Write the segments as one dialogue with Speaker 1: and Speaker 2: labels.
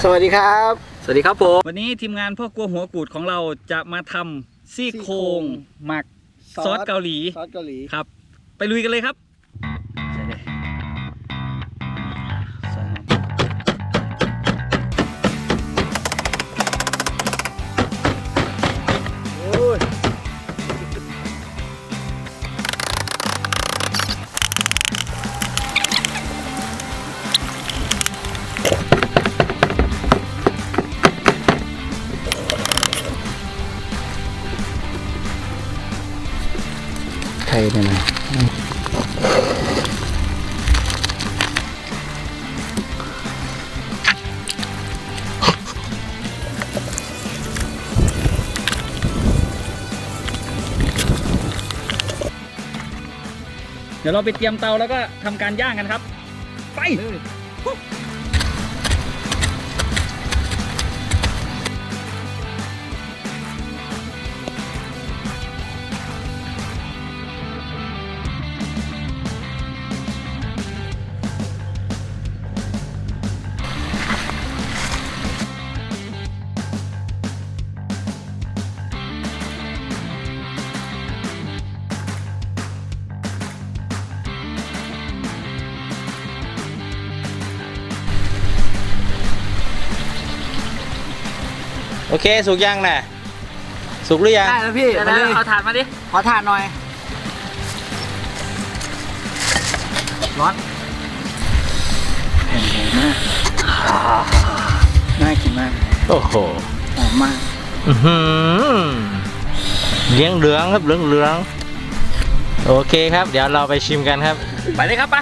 Speaker 1: วัสดีครับ
Speaker 2: สวัสดีครับผมวันนี้ทีมงานพ่อครัวหัวกูดของเราจะมาทำซี่โครงหมักซอสเกาหลีครับไปลุยกันเลยครับ
Speaker 1: ไทยเนี่ยนะ
Speaker 2: เดี๋ยวเราไปเตรียมเตาแล้วก็ทำการย่างกันครับไป
Speaker 3: โอเคสุกยังน่ะสุกหรือยัง
Speaker 1: ได้แล้วพี่มาเลย
Speaker 2: เอาถ่านมาดิ
Speaker 1: ขอถ่านหน่อยร้อนแผ่นใหญ่มากน่ากินมาก
Speaker 3: โอ้โห
Speaker 1: หอมมาก
Speaker 3: เลี้ยงเหลืองครับเหลืองโอเคครับเดี๋ยวเราไปชิมกันครับ
Speaker 2: ไปเลยครับไป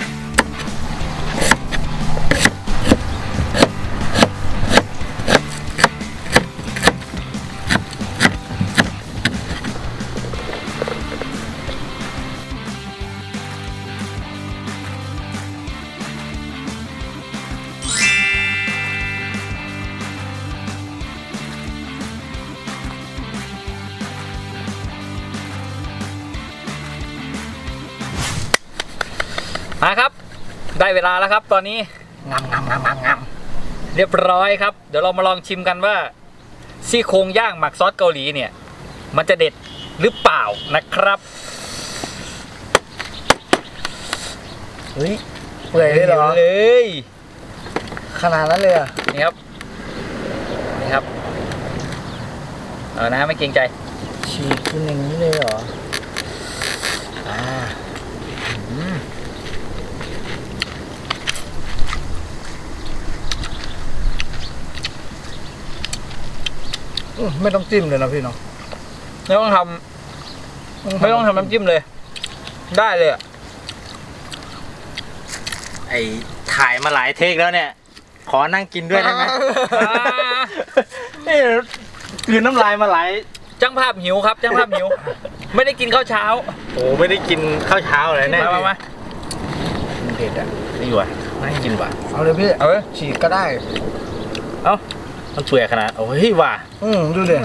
Speaker 2: มาครับได้เวลาแล้วครับตอนนี้งามเรียบร้อยครับเดี๋ยวเรามาลองชิมกันว่าซี่โครงย่างหมักซอสเกาหลีเนี่ยมันจะเด็ดหรือเปล่านะครับ
Speaker 1: เฮ้ยเปื่อยเลยเหรอ
Speaker 2: เลย
Speaker 1: ขนาดนั้นเลยอ่ะ
Speaker 2: นี่ครับเอานะไม่เกรงใจ
Speaker 1: ฉีกกินอย่างนี้เลยเหรอไม่ต้องจิ้มเลยนะพี่เนาะ
Speaker 2: ไม่ต้องทำน้ำจิ้มเลยได้เลยอ่ะ
Speaker 3: ไอถ่ายมาหลายเทคแล้วเนี่ยขอนั่งกินด้วยได้ไหมนี่คืนน้ำลายมาหลาย
Speaker 2: จ้างภาพหิวครับจ้างภาพหิวไม่ได้กินข้าวเช้า
Speaker 3: โอ้ไม่ได้กินข้าวเช้าเลยเนี่ย
Speaker 2: มา
Speaker 1: เผ็ดอ่ะ
Speaker 3: นี่ว่ะไม่กินว่ะ
Speaker 1: เอาเลยพี่
Speaker 2: เอาเลย
Speaker 1: ฉีกก็ได้
Speaker 3: เอ้ามันเปื่อยขนาดโอ้ยว่ะ
Speaker 1: ดูดิ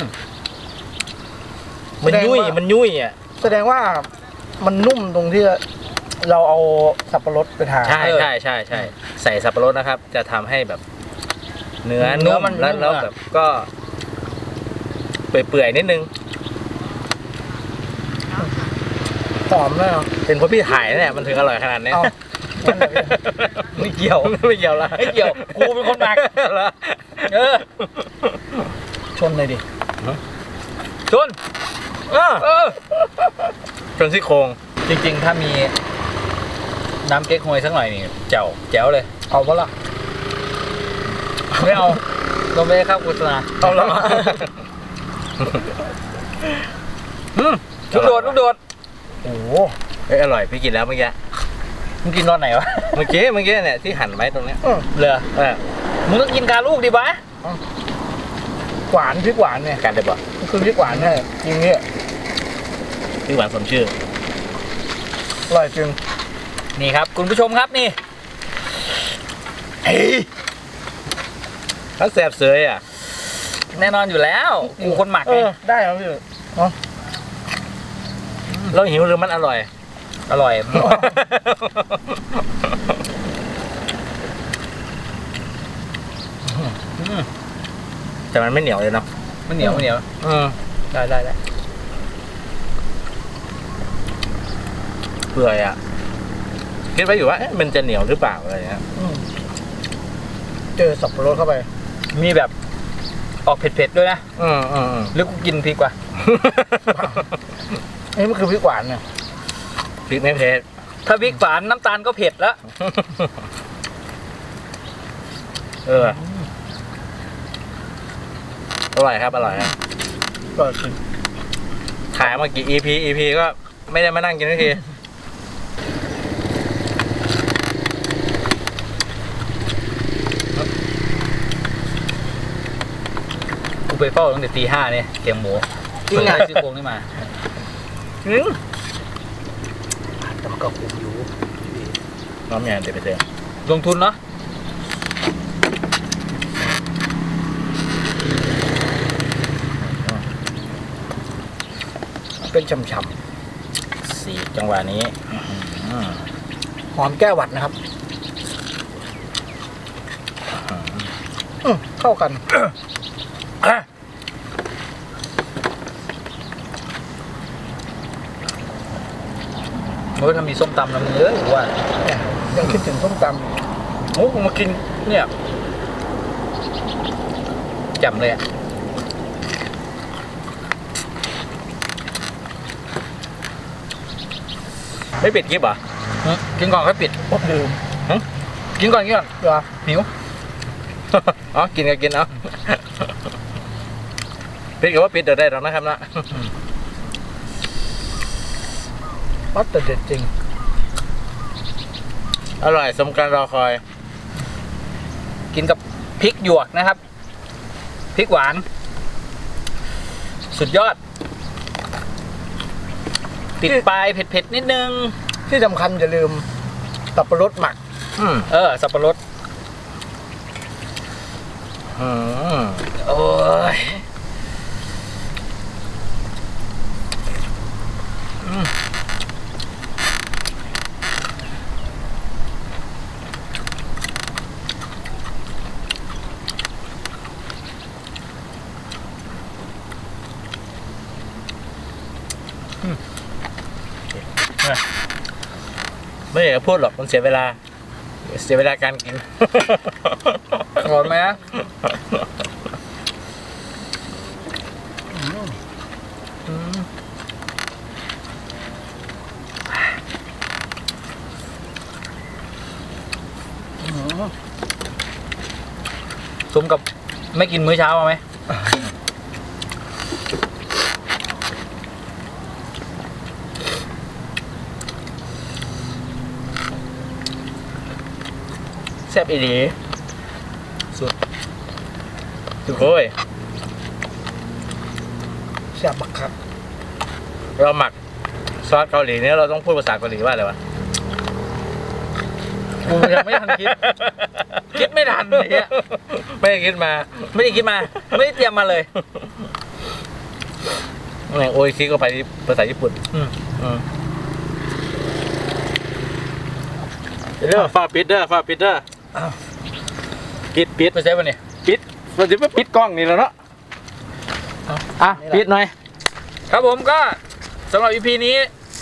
Speaker 3: มันยุ่ยอ่ะ
Speaker 1: แสดงว่ามันนุ่มตรงที่เราเอาสับปะรดไปทา
Speaker 3: ใช่ใส่สับปะรดนะครับจะทำให้แบบเนื้อนุ่มแล้วแบบก็เปื่อยนิดนึง
Speaker 1: หอมเลย
Speaker 3: เป็นเพราะพี่ถ่ายเนี่ยมันถึงอร่อยขนาดนี้
Speaker 2: ไม่เกี่ยว
Speaker 3: ละ
Speaker 2: ไม่เกี่ยวกูเป็นคนหมัก
Speaker 1: ชนเลยดิ
Speaker 2: ชน
Speaker 3: ซี่โครง
Speaker 2: จริงๆถ้ามีน้ำเก๊กฮวยสักหน่อยนี่แจ๋วเลย
Speaker 1: เอาปะล่ะ
Speaker 2: ไม่เอาเราไม่ได้เข้าโฆษณา
Speaker 1: เอาแล้ว
Speaker 2: ลูกโดด
Speaker 1: โอ้
Speaker 3: อร่อยพี่กินแล้วเมื่อกี้
Speaker 2: มึงกินตอนไหนวะ
Speaker 3: เมื่อกี้เนี่ยที่หั่นไว้ตรงนี้
Speaker 2: เหรอมึงต้องกินกาลูกดิบะ
Speaker 1: หวานพริกหวานเนี่ย
Speaker 3: การได้บ่
Speaker 1: คือพริกหวานเนี่ยจริงเนี่ย
Speaker 3: พริกหวานสมชื่อ
Speaker 1: อร่อยจริง
Speaker 2: นี่ครับคุณผู้ชมครับนี่
Speaker 3: ถ้าแสบเสยอ่ะ
Speaker 2: แน่นอนอยู่แล้วกูคนหมักไง
Speaker 1: ได้ครับพี่
Speaker 3: เราหิวหรือมันอร่อย
Speaker 2: อร่อย
Speaker 3: แต่มันไม่เหนียวเลยเนาะ
Speaker 2: มันเหนียวมันเหนียว ได้
Speaker 3: เปื่อยอ่ะคิดไว้อยู่ว่าเอ๊ะมันจะเหนียวหรือเปล่าอะไรเงี้ย
Speaker 1: เจอสับปะรดเข้าไป
Speaker 2: มีแบบออกเผ็ดๆด้วยนะหรือกูกินพริกว่ะ
Speaker 1: นี่มันคือพริกหวานเนี่ย
Speaker 3: พริกไม่เผ็ด
Speaker 2: ถ้าพริกหวานน้ำตาลก็เผ็ดแล้ว
Speaker 3: อร่อยครับอร่อยครับ
Speaker 1: ก็คือ
Speaker 3: ถ่ายมากี่ EP ก็ไม่ได้มานั่งกินทันที
Speaker 2: กูไปเฝ้าตั้งแต่ตี 5เนี่ยเกียงหมู
Speaker 1: จริงไง
Speaker 2: ได้ซี่โครงนี่มา
Speaker 1: แต่มันก็คุ้มอยู่
Speaker 3: น้ำยาเดี๋ยวไปเจอ
Speaker 2: ลงทุนเนาะ
Speaker 1: เป็นฉ่ำ
Speaker 3: สี่จังหวะนี้
Speaker 1: ๆหอมแก้หวัดนะครับเข้ากัน
Speaker 2: โอ้ยถ้ามีส้มตำนะมึงเอ้ยกูว่า
Speaker 1: ยังคิดถึงส้มต
Speaker 2: โอ้กูมากินเนี่ยแจ่มเลยอะ
Speaker 3: ไม่ปิดคลิปเหรอ
Speaker 2: กินก่อนค่อยปิด
Speaker 1: ำโอ้ลืม
Speaker 2: กินก่อน
Speaker 1: เหรอ
Speaker 2: หิว
Speaker 3: อ๋อกินก็กินเอาปิดก็ว่าปิดเดี๋ยวได้หรอกนะครับนะ
Speaker 1: วัดแต่เด็ดจริง
Speaker 3: อร่อยสมการรอคอย
Speaker 2: กินกับพริกหยวกนะครับพริกหวาน สุดยอด ติดปลายเผ็ดๆนิดนึง
Speaker 1: ที่สำคัญอย่าลืมสับปะรดหมัก
Speaker 2: สับปะรดโอ้ย
Speaker 3: ไม่อยากจะพูดหรอกมันเสียเวลา เสียเวลาการกิน
Speaker 2: อร่อยไหมฮะสมกับไม่กินมื้อเช้ามาไหม
Speaker 3: แซ่บอีหลีสุดโอ้ย
Speaker 1: แซ่บบักครับ
Speaker 3: เราหมักซอสเกาหลีเนี่ยเราต้องพูดภาษาเกาหลีว่าอะไรวะ
Speaker 2: กูยังไม่ทันคิด คิดไม่ทันเนี่ย
Speaker 3: ไม่ได้คิดมา
Speaker 2: ไม่ได้คิดมา ไม่ได้เตรียมมาเลย
Speaker 3: โอ้ยคิดก็ไปภาษาญี่ปุ่น เด้อฟ้าปิดเด้อฟ้าปิดเด้อปิด
Speaker 2: ไปใช้ป่ะเนี่ย
Speaker 3: ปิดเราจะไปปิดกล้องนี่แล้วเนาะปิดหน่อย
Speaker 2: ครับผมก็สำหรับ EP นี้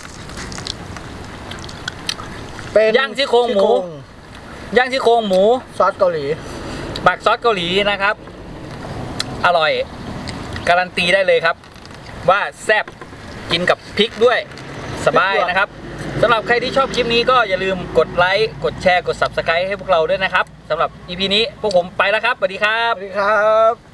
Speaker 1: เป็น
Speaker 2: ย่างซี่โครงหมู ย่างซี่โครงหมู
Speaker 1: ซอสเกาหลี
Speaker 2: หมักซอสเกาหลีนะครับ อร่อย การันตีได้เลยครับ ว่าแซ่บกินกับพริกด้วยสบายนะครับสำหรับใครที่ชอบคลิปนี้ก็อย่าลืมกดไลค์กดแชร์กด Subscribe ให้พวกเราด้วยนะครับสำหรับ EP นี้พวกผมไปแล้วครับสวัสดีครับ
Speaker 1: สวัสดีครับ